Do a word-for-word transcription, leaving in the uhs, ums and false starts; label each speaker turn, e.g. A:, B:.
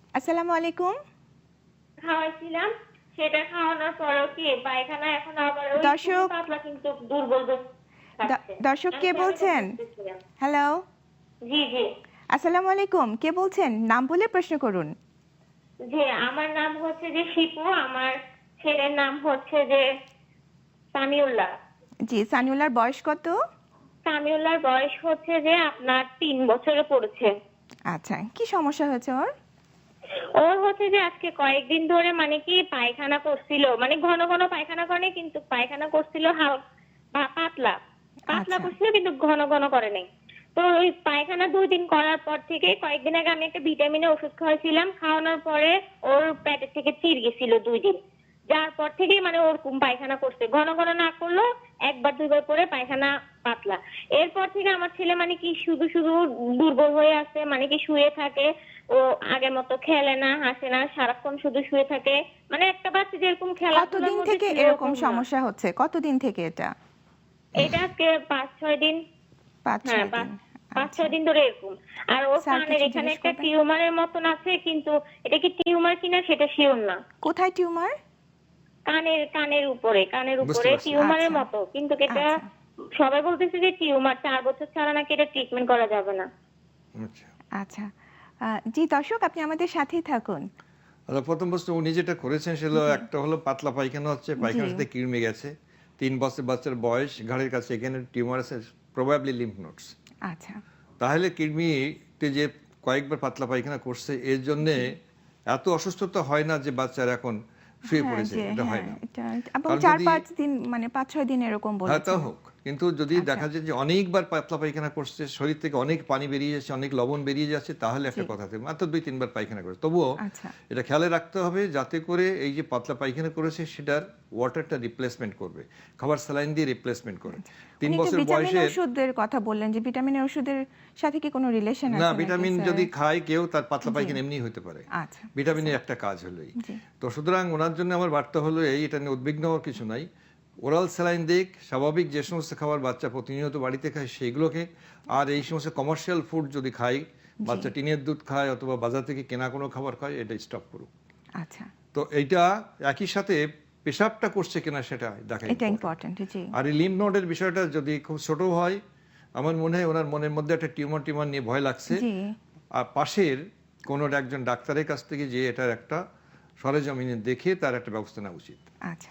A: আসসালামু আলাইকুম।
B: খাওয়াইছিলাম। সেটা খাওয়ানোর পরেও কি পায়খানা এখন আবার ওই খুবই
A: দর্শক
B: পাতলা কিন্তু দুর্বল ব
A: দ
B: থাকছে।
A: দর্শক
B: আমি
A: কে
B: কেন এটা
A: বলছেন?
B: বুঝতেছি না।
A: হ্যালো?
B: জি, জি।
A: আসসালামু আলাইকুম। কে বলছেন? নাম বলে প্রশ্ন করুন।
B: জি, আমার নাম হচ্ছে যে শিপু, আমার ছেলের নাম হচ্ছে যে সামিউল্লাহ।
A: জি, সানিউল্লাহর বয়স কত?
B: সামিউল্লাহর বয়স হচ্ছে যে আপনার তিন বছরে পড়েছে।
A: আচ্ছা, কি সমস্যা হয়েছে ওর?
B: ওর হচ্ছে যে আজকে কয়েকদিন ধরে মানে কি পায়খানা করছিল। মানে ঘন, ঘন পায়খানা করে নাই কিন্তু পায়খানা করছিল হাল পা পাতলা। পাতলা
A: আচ্ছা,
B: করছিল কিন্তু ঘন, ঘন করে নাই। তো ওই পায়খানা দুই দিন করার পর থেকে কয়েকদিন আগে আমি একটা ভিটামিনের ওষুধ খাওয়াইছিলাম। খাওয়ানোর পরে ওর পেটের থেকে চির গেছিল দুই দিন। যার পর থেকেই মানে ওরকম পায়খানা করছে। ঘন, ঘন না করলেও একবার দুইবার করে পায়খানা পাতলা। এরপর থেকে আমার ছেলে মানে কি শুধু, শুধু দুর্বল হয়ে আছে। মানে কি শুয়ে থাকে। ও আগের মতো খেলে না, হাসে না, সারাক্ষণ শুধু শুয়ে থাকে। মানে একটা বাচ্চা যেরকম খেলাধুলার
A: কতদিন
B: মধ্যে
A: থেকে
B: ছিল
A: এরকম
B: ওরকম না।
A: সমস্যা হচ্ছে? কতদিন থেকে এটা?
B: এটা আজকে পাঁচ ছয় দিন।
A: পাঁচ
B: হ্যাঁ,
A: ছয়
B: পাঁচ
A: দিন।
B: পাঁচ
A: আচ্ছা।
B: ছয় দিন ধরে এরকম। আর ওর
A: স্যার
B: কানের
A: কিছু
B: এখানে
A: জিজ্ঞেস
B: একটা
A: করবেন?
B: টিউমারের মতন আছে কিন্তু এটা কি টিউমার কিনা সেটা সিওর না।
A: কোথায় টিউমার?
B: কানের কানের উপরে কানের
C: বুঝতে
B: উপরে
C: পারছি।
B: টিউমারের
A: আচ্ছা,
B: মতো কিন্তু এটা
A: আচ্ছা,
B: সবাই বলতেছে যে টিউমার চার বছর ছাড়া নাকি এটা ট্রিটমেন্ট করা যাবে না।
C: আচ্ছা।
A: আচ্ছা। আ জি, দর্শক আপনি আমাদের সাথেই থাকুন।
C: আচ্ছা, প্রথম প্রশ্ন উনি যেটা করেছেন সেটা হলো
A: জি,
C: একটা হলো পাতলা পায়খানা হচ্ছে,
A: জি,
C: পায়খানার সাথে কৃমি গেছে। তিন বছর বাচ্চার বয়স, ঘাড়ের কাছে এখানে টিউমার আছে, প্রবাবলি লিম্ফ নোডস।
A: আচ্ছা,
C: তাহলে কৃমিতে যে কয়েকবার পাতলা পায়খানা করছে এর জন্যে
A: জি।
C: এত অসুস্থতা হয় না যে বাচ্চার এখন শুয়ে
A: হ্যাঁ,
C: পড়েছে,
A: যে
C: এটা হয়
A: হ্যাঁ,
C: না।
A: এটা এবং
C: কারণ
A: চার
C: যদি
A: পাঁচ দিন মানে পাঁচ ছয় দিন এরকম
C: হ্যাঁ, তা
A: বলেছেন।
C: হোক। কিন্তু যদি
A: আচ্ছা,
C: দেখা যায় যে অনেকবার পাতলা পায়খানা করছে, শরীর থেকে অনেক পানি বেরিয়ে যাচ্ছে, অনেক লবণ বেরিয়ে যাচ্ছে, তাহলে
A: জি,
C: একটা কথা থাকে। মাত্র দুই তিন বার পায়খানা করে। তবুও
A: আচ্ছা।
C: এটা খেয়ালে রাখতে হবে যাতে করে এই যে পাতলা পায়খানা করেছে সেটার ওয়াটারটা রিপ্লেসমেন্ট করবে। খাবার স্যালাইন দিয়ে রিপ্লেসমেন্ট করে।
A: আচ্ছা।
C: তিন
A: উনি একটু
C: বছর
A: ভিটামিন
C: বয়সের
A: ওষুধের কথা বললেন যে ভিটামিনের ওষুধের সাথে কি কোনো রিলেশন
C: না,
A: আছে নাকি
C: ভিটামিন
A: স্যার?
C: যদি খায় কেউ তার পাতলা
A: জি,
C: পায়খানা এমনিই হতে পারে।
A: আচ্ছা,
C: ভিটামিনের
A: স্যার।
C: একটা কাজ হলোই।
A: জি,
C: তো সুতরাং ওনার জন্য আমার বার্তা হলো এই, এটা নিয়ে উদ্বিগ্ন হওয়ার কিছু নাই। ওরাল স্যালাইন দিক, স্বাভাবিক যে সমস্ত খাবার বাচ্চা প্রতিনিয়ত বাড়িতে খায় সেইগুলোকে, আর এই সমস্ত কমার্শিয়াল ফুড যদি খায়,
A: জি,
C: বাচ্চা টিনের দুধ খায় অথবা বাজার থেকে কেনা কোনো খাবার খায়, এটা স্টপ করুক।
A: আচ্ছা।
C: তো এইটা একই সাথে পেশাবটা করছে কিনা সেটা দেখা
A: এটা
C: ইম্পর্টেন্ট।
A: ইম্পর্টেন্ট, জি,
C: আর এই লিম্ফ নোডের বিষয়টা যদি খুব ছোট হয়, আমার মনে হয় ওনার মনের মধ্যে একটা টিউমার টিউমার নিয়ে ভয় লাগছে।
A: জি,
C: আর পাশের কোনো একজন ডাক্তারের কাছ থেকে যে এটার একটা সরেজমিনে দেখে তার একটা ব্যবস্থা নেওয়া উচিত।
A: আচ্ছা।